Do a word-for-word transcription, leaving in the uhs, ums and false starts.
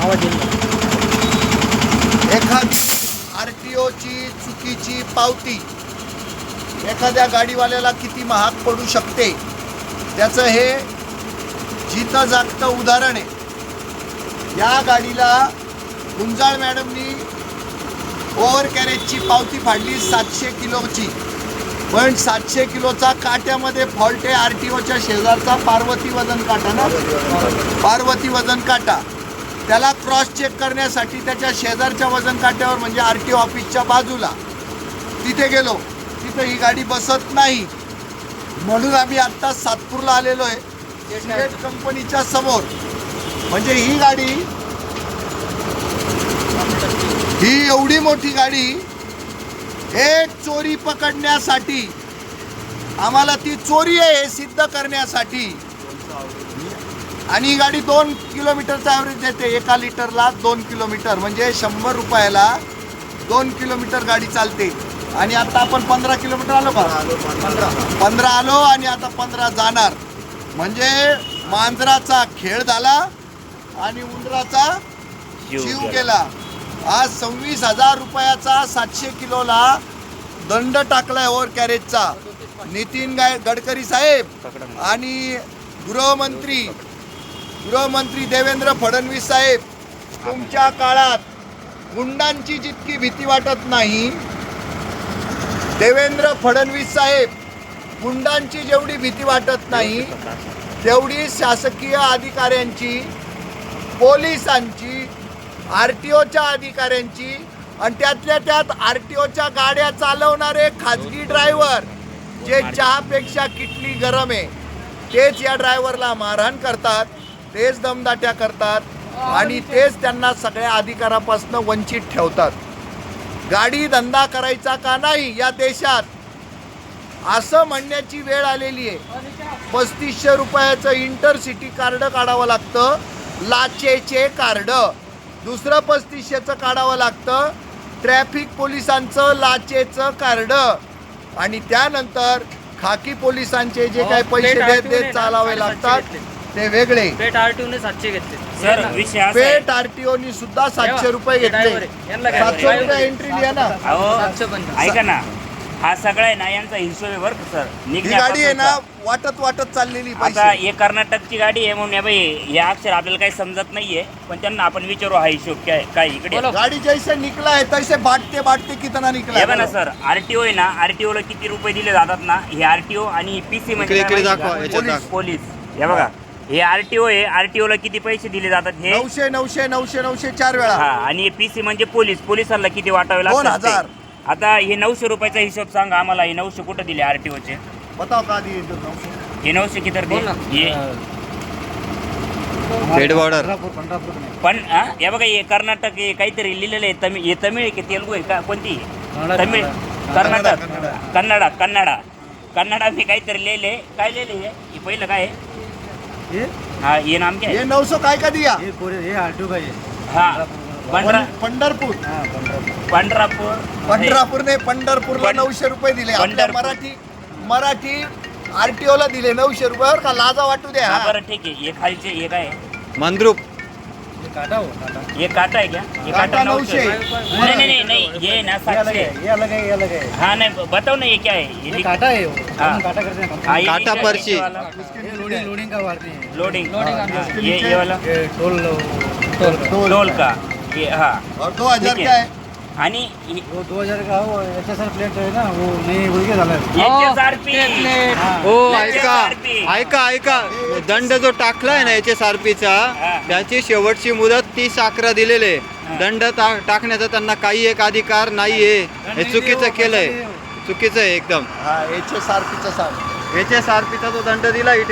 एखादी R T ओची चुकीची पावती एखाद्या गाडीवाल्याला किती महाग पडू शकते त्याचं हे जितं जागतं उदाहरण आहे। या गाडीला गुंजाळ मॅडमनी ओव्हर कॅरेजची पावती फाडली सातशे किलोची, पण सातशे किलोचा काट्यामध्ये फॉल्ट आहे। आर टी ओच्या शेजारचा पार्वती वजन काटा ना, पार्वती वजन काटा, त्याला क्रॉस चेक करण्यासाठी त्याच्या शेजारच्या वजन काट्यावर म्हणजे आर टी ओ ऑफिसच्या बाजूला तिथे गेलो, तिथे ही गाडी बसत नाही म्हणून आम्ही आत्ता सातपूरला आलेलो आहे स्टेट कंपनीच्या समोर। म्हणजे ही गाडी, ही एवढी मोठी गाडी एक चोरी पकडण्यासाठी, आम्हाला ती चोरी आहे हे सिद्ध करण्यासाठी, आणि ही गाडी दोन किलोमीटरचा ॲव्हरेज देते, एका लिटरला दोन किलोमीटर म्हणजे शंभर रुपयाला दोन किलोमीटर गाडी चालते। आणि आता आपण पंधरा किलोमीटर आलो का, पंधरा पंधरा आलो आणि आता पंधरा जाणार, म्हणजे मांजराचा खेळ झाला आणि उंदराचा जीव गेला। आज सव्वीस हजार रुपयाचा सातशे किलोला दंड टाकलाय ओव्हर कॅरेजचा। नितीन गाय गडकरी साहेब आणि गृहमंत्री गृहमंत्री देवेंद्र फडणवीस साहेब, तुमच्या काळात गुंडांची जितकी भीती वाटत नाही, देवेंद्र फडणवीस साहेब गुंडांची जेवढी भीती वाटत नाही तेवढी शासकीय अधिकाऱ्यांची, पोलिसांची, आर टी ओच्या अधिकाऱ्यांची, आणि त्यातल्या त्यात आर टी ओच्या गाड्या चालवणारे खाजगी ड्रायव्हर जे चहापेक्षा किटली गरम आहे तेच या ड्रायव्हरला मारहाण करतात, तेच दमदाट्या करतात आणि तेच त्यांना सगळ्या अधिकारापासून वंचित ठेवतात। गाडी धंदा करायचा का नाही या देशात असं म्हणण्याची वेळ आलेली आहे। पस्तीसशे रुपयाचं इंटरसिटी कार्ड काढावं लागतं, लाचेचे कार्ड, दुसरं पस्तीसशेचं काढावं लागतं ट्रॅफिक पोलिसांचं लाचेचं कार्ड, आणि त्यानंतर खाकी पोलिसांचे जे काही पैसे देत देत चालावे लागतात ते वेगळे। पेट आरटीओने सातशे घेतले सर, विषय पेट आरटीओनी सुद्धा सातशे रुपये घेतले, सातशे रुपये एंट्री लिहा ना। ऐका ना, हा सगळा आहे ना यांचा हिशोब आहे बरं सर। ही गाडी आहे ना वाटत वाटत चाललेली आता पैसे। हे कर्नाटकची गाडी आहे म्हणून या बाई हे अक्षर आपल्याला काही समजत नाहीये, पण त्यांना आपण विचारू हा हिशोब काय काय इकडे। गाडी जैसे निकला है तैसे बांटते बांटते कितना निकला हे बघा सर, आरटीओ आहे ना, आरटीओ ला किती रुपये दिले जातात ना, हे आरटीओ आणि पीसी म्हणजे पोलीस पोलीस हे बघा, हे आरटीओ आहे, आरटीओ ला किती पैसे दिले जातात हे नऊशे नऊशे नऊशे नऊशे चार वेळा। हा, आणि पीसी म्हणजे पोलीस, पोलिसांना किती वाटावे दोन लागतात हजार। आता हे नऊशे रुपयाचा हिशोब सांगा आम्हाला, हे नऊशे कुठे दिले आरटीओचे? बताओ का दिए नऊशे? हे नऊशे किती हे हेड बॉर्डर पण हा, हे बघा हे कर्नाटक हे काहीतरी लिहिलेलं आहे, तमिळ हे तमिळ आहे की तेलुगू आहे का, कोणती तमिळ? कर्नाटक, कन्नडा कन्नडा कन्नडा मी काहीतरी लिहिले, काय लिहिले हे पहिलं काय आहे? हाँ ये नाम क्या है? ये नौ सौ काय का दिया? ये पूरे ये आरटीओ का ये। हाँ पंढरा पंढरपूर पंढरापूर पंढरापूर ने पंढरपूरला पंढ- नऊशे रुपये दिले। आपल्या पंढरपूर. मराठी मराठी आरटीओ ला दिले नऊशे रुपयावर का लाजा वाटू द्या। हाँ बरं ठीक आहे, हे खालचे हे काय आहे? मंद्रुप ये काटा हो काटा। ये काटा है क्या? ये काटा काटा नऊशे। नहीं नहीं नहीं नहीं ये ना ये अलग सातशे। है, ये अलग है, ये अलग है। हाँ नहीं बताओ ना ये क्या है? ये ये लिख- काटा है वो। हाँ। हम काटा करते हैं हाँ, कंपनी। ये काटा लिखा है पर्ची। नीचे वाला। ये लोडिंग लोडिंग का वारनी है। लोडिंग हाँ, हाँ, इसके ये नीचे- ये वाला ये टोल टोल का। टोल टोल का ये हाँ और दो हजार ठीक क्या आहे. है? आणि हे- वो दो हजार का वो एच एस आर प्लेट है ना वो नहीं उनके झालं है। याचे सारपी हाँ। हो याचे ऐका सारपी. ऐका ऐका दंड जो टाकलाय ना एच एस आर पीचा हा. त्याची शेवटची मुदत तीस अकरा दिलेले हा. दंड टा- टाकण्याचा त्यांना काही एक अधिकार नाहीये, हे चुकीचं केलंय, चुकीचं आहे एकदम। हा एच एस आर पीचं सांग। एच एस आर पीचा जो दंड दिला